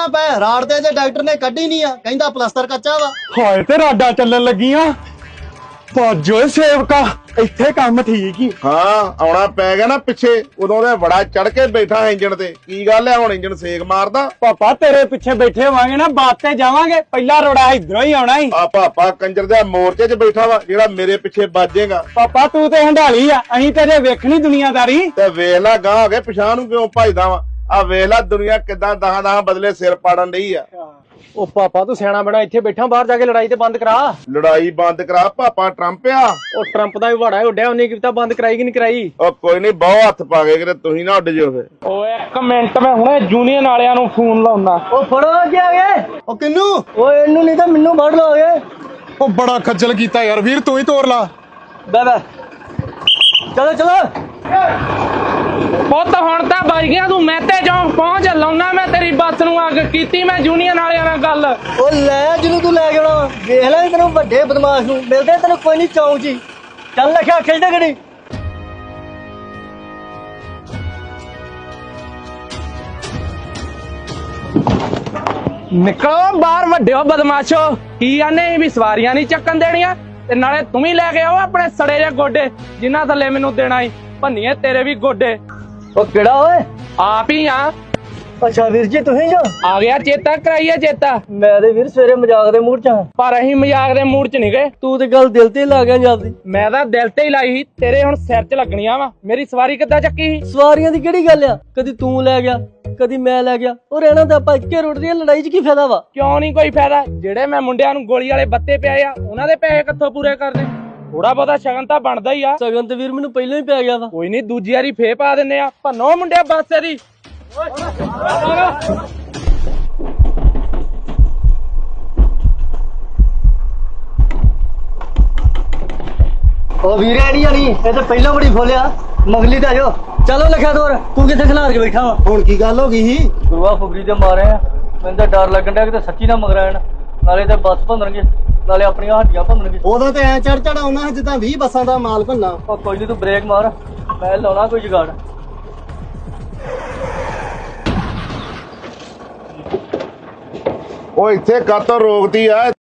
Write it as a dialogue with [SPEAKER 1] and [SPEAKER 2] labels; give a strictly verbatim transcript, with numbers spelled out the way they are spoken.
[SPEAKER 1] ਨਾ ਪੈ ਰਾੜ ਤੇ ਜੇ ਡਾਕਟਰ ਨੇ ਕੱਢੀ ਨਹੀਂ ਆ ਕਹਿੰਦਾ ਪਲਸਤਰ ਕੱਚਾ ਵਾ।
[SPEAKER 2] ਹਾਏ ਤੇ ਰਾਡਾ ਚੱਲਣ ਲੱਗੀਆਂ ਭੱਜੋ ਸੇਵਕਾ ਇੱਥੇ ਕੰਮ ਠੀਕ ਹੀ।
[SPEAKER 3] ਹਾਂ ਆਉਣਾ ਪੈ ਗਿਆ ਨਾ ਪਿੱਛੇ ਉਦੋਂ ਦੇ ਬੜਾ ਚੜ ਕੇ ਬੈਠਾ ਇੰਜਣ ਤੇ। ਕੀ ਗੱਲ ਹੈ ਹੁਣ ਇੰਜਣ ਸੇਕ ਮਾਰਦਾ?
[SPEAKER 2] ਪਾਪਾ ਤੇਰੇ ਪਿੱਛੇ ਬੈਠੇ ਹੋਵਾਂਗੇ ਨਾ ਬਾਤ ਤੇ ਜਾਵਾਂਗੇ ਪਹਿਲਾ ਰੋੜਾ ਇਧਰੋਂ ਹੀ ਆਉਣਾ ਹੀ।
[SPEAKER 3] ਆ ਪਾਪਾ ਕੰਜਰ ਦੇ ਮੋਰਚੇ 'ਚ ਬੈਠਾ ਵਾ ਜਿਹੜਾ ਮੇਰੇ ਪਿੱਛੇ ਵੱਜੇਗਾ।
[SPEAKER 2] ਪਾਪਾ ਤੂੰ ਤੇ ਹੰਡਾਲੀ ਆ ਅਸੀਂ ਤੇਰੇ ਵੇਖਣੀ ਦੁਨੀਆਦਾਰੀ।
[SPEAKER 3] ਤੇ ਵੇਖ ਲੈ ਗਾਂ ਹੋ ਗਏ ਪਛਾਣ ਨੂੰ ਕਿਉਂ ਭਜਦਾ ਵਾ। ਆ ਵੇਖ ਲੈ ਦੁਨੀਆ ਕਿਦਾਂ ਦਹਾਂ ਦਹਾਂ ਬਦਲੇ ਸਿਰ ਪਾੜਨ ਡਈ ਆ।
[SPEAKER 4] ਉਹ ਪਾਪਾ ਤੂੰ ਸਿਆਣਾ ਬਣਾ ਇੱਥੇ ਬੈਠਾ ਬਾਹਰ ਜਾ ਕੇ ਲੜਾਈ ਤੇ ਬੰਦ ਕਰਾ।
[SPEAKER 3] ਲੜਾਈ ਬੰਦ ਕਰਾ ਪਾਪਾ ਟਰੰਪ ਆ।
[SPEAKER 4] ਉਹ ਟਰੰਪ ਦਾ ਵੀ ਵਾੜਾ ਉੱਡਿਆ ਉਹਨੇ ਕੀ ਪਤਾ ਬੰਦ ਕਰਾਈ ਕਿ ਨਹੀਂ ਕਰਾਈ।
[SPEAKER 3] ਉਹ ਕੋਈ ਨਹੀਂ ਬਹੁਤ ਹੱਥ ਪਾ ਕੇ ਕਿਤੇ ਤੁਸੀਂ ਨਾ ਉੱਡ ਜਿਓ ਫੇ।
[SPEAKER 4] ਓਏ ਇੱਕ ਮਿੰਟ ਮੈਂ ਹੁਣੇ ਜੂਨੀਅਰ ਵਾਲਿਆਂ ਨੂੰ ਫੋਨ ਲਾਉਣਾ।
[SPEAKER 1] ਉਹ ਫੜੋ ਅੱਗੇ ਆ ਗਏ। ਉਹ ਕਿੰਨੂ
[SPEAKER 4] ਓਏ ਇਹਨੂੰ ਨਹੀਂ ਤਾਂ ਮੈਨੂੰ ਫੜ ਲਓਗੇ।
[SPEAKER 2] ਉਹ ਬੜਾ ਖੱਜਲ ਕੀਤਾ ਯਾਰ ਵੀਰ ਤੂੰ ਹੀ ਤੋੜ ਲਾ।
[SPEAKER 4] ਬੈ ਬੈ ਚਲੋ ਚਲੋ ਪੁੱਤ ਹੁਣ ਤਾਂ ਵੱਜ ਗਿਆ ਤੂੰ ਮਹਿਤੇ ਚੌਂਕ ਪਹੁੰਚ ਲਾਉਣਾ ਮੈਂ ਤੇਰੀ ਬੱਸ ਨੂੰ ਅੱਗ ਕੀਤੀ ਮੈਂ ਜੂਨੀਅਰ ਵਾਲਿਆਂ ਨਾਲ ਗੱਲ।
[SPEAKER 1] ਉਹ ਲੈ ਜਿਹਨੂੰ ਤੂੰ ਲੈ ਕੇ ਆਉਣਾ ਵੇਖ ਲੈ ਤੈਨੂੰ ਵੱਡੇ ਬਦਮਾਸ਼ ਨੂੰ ਮਿਲਦੇ ਤੈਨੂੰ ਕੋਈ ਨਹੀਂ ਚੌਂਕ ਜੀ। ਚੱਲ ਲਿਖਿਆ ਖਿੱਚਦੇ ਗੜੀ।
[SPEAKER 4] ਨਿਕਲੋ ਬਾਹਰ ਵੱਡਿਓ ਬਦਮਾਸ਼ੋ। ਕੀ ਆਨੇ ਵੀ ਸਵਾਰੀਆਂ ਨਹੀਂ ਚੱਕਣ ਦੇਣੀਆਂ ਤੇ ਨਾਲੇ ਤੂੰ ਵੀ ਲੈ ਕੇ ਆਓ ਆਪਣੇ ਸੜੇ ਜਿਹੇ ਗੋਡੇ ਜਿਨ੍ਹਾਂ ਥੱਲੇ ਮੈਨੂੰ ਦੇਣਾ ਈ ਭੰਨੀਏ ਤੇਰੇ ਵੀ ਗੋਡੇ।
[SPEAKER 1] ਉਹ ਕਿਹੜਾ ਓਏ?
[SPEAKER 4] ਆਪ ਹੀ ਆ।
[SPEAKER 1] ਅੱਛਾ ਵੀਰ ਜੀ ਤੁਸੀਂ ਜੋ
[SPEAKER 4] ਆ ਗਿਆ ਚੇਤਾ ਕਰਾਈਏ ਚੇਤਾ।
[SPEAKER 1] ਮੈਂ ਤੇ ਵੀਰ ਸਵੇਰੇ ਮਜ਼ਾਕ ਦੇ ਮੂਡ ਚ ਆ
[SPEAKER 4] ਪਰ ਅਸੀਂ ਮਜ਼ਾਕ ਦੇ ਮੂਡ ਚ ਨਹੀਂ ਗਏ।
[SPEAKER 1] ਤੂੰ ਤੇ ਗੱਲ ਦਿਲ ਤੇ ਲਾ ਗਿਆ ਜਲਦੀ।
[SPEAKER 4] ਮੈਂ ਤਾਂ ਦਿਲ ਤੇ ਹੀ ਲਾਈ ਸੀ ਤੇਰੇ ਹੁਣ ਸਿਰ 'ਚ ਲੱਗਣੀਆਂ ਵਾ। ਮੇਰੀ ਸਵਾਰੀ ਕਿੱਦਾਂ ਚੱਕੀ ਸੀ?
[SPEAKER 1] ਸਵਾਰੀਆਂ ਦੀ ਕਿਹੜੀ ਗੱਲ ਆ ਕਦੀ ਤੂੰ ਲੈ ਗਿਆ ਕਦੀ ਮੈਂ ਲੈ ਗਿਆ। ਉਹ ਰਹਿਣਾ ਤਾਂ ਆਪਾਂ ਇੱਕੇ ਰੋਡ ਦੀ ਲੜਾਈ 'ਚ ਕੀ ਫਾਇਦਾ ਵਾ?
[SPEAKER 4] ਕਿਉਂ ਨਹੀਂ ਕੋਈ ਫਾਇਦਾ? ਜਿਹੜੇ ਮੈਂ ਮੁੰਡਿਆਂ ਨੂੰ ਗੋਲੀ ਵਾਲੇ ਬੱਤੇ ਪਿਆਏ ਆ ਉਹਨਾਂ ਦੇ ਪੈਸੇ ਕਿੱਥੋਂ ਪੂਰੇ ਕਰਨੇ? ਥੋੜਾ ਬਹੁਤਾ ਸ਼ਗਨ ਤਾਂ ਬਣਦਾ ਹੀ ਆ।
[SPEAKER 1] ਸਗਨ ਤੇ ਵੀਰ ਮੈਨੂੰ ਪਹਿਲਾਂ ਹੀ ਪੈ ਗਿਆ ਵਾ।
[SPEAKER 4] ਕੋਈ ਨਹੀਂ ਦੂਜੀ ਵਾਰੀ ਫੇਰ ਪਾ ਦਿੰਨੇ ਆ। ਭੰਨੋ ਮੁੰਡਿਆ ਬੱਸ ਦੀ।
[SPEAKER 1] ਉਹ ਵੀਰੇ ਨਹੀਂ ਆਣੀ ਇਹ ਤਾਂ ਪਹਿਲਾਂ ਬੜੀ ਫੋਲਿਆ ਮਗਲੀ ਤਾਂ ਜੋ। ਚਲੋ ਲਿਖਿਆ ਤੋਰ ਤੂੰ ਕਿੱਥੇ ਖਿਲਾਰ ਕੇ ਬੈਠਾ ਵਾ? ਹੁਣ ਕੀ ਗੱਲ ਹੋ ਗਈ ਸੀ?
[SPEAKER 5] ਗੁਰੂਆ ਫੁਗਰੀ ਤੇ ਮਾਰੇ ਆ ਮੈਨੂੰ ਤਾਂ ਡਰ ਲੱਗਣ ਡਿਆ ਕਿਤੇ ਸੱਚੀ ਨਾ ਮਗਰਾਣ ਨਾਲੇ ਤੇ ਬੱਸ ਭੰਨਣਗੇ ਨਾਲੇ ਆਪਣੀਆਂ ਹੱਡੀਆਂ ਭੰਨਣਗੇ।
[SPEAKER 1] ਉਦੋਂ ਤੇ ਐ ਚੜ ਚੜ ਆਉਣਾ ਜਿੱਦਾਂ ਵੀਹ ਬੱਸਾਂ ਦਾ ਮਾਲ ਭੰਨਾ।
[SPEAKER 5] ਉਹ ਕੋਈ ਨਹੀਂ ਤੂੰ ਬ੍ਰੇਕ ਮਾਰ ਮੈਂ ਲਾਉਣਾ ਕੋਈ ਜੁਗਾੜ।
[SPEAKER 3] ਉਹ ਇੱਥੇ ਕਾਤੋਂ ਰੋਕਦੀ ਆ?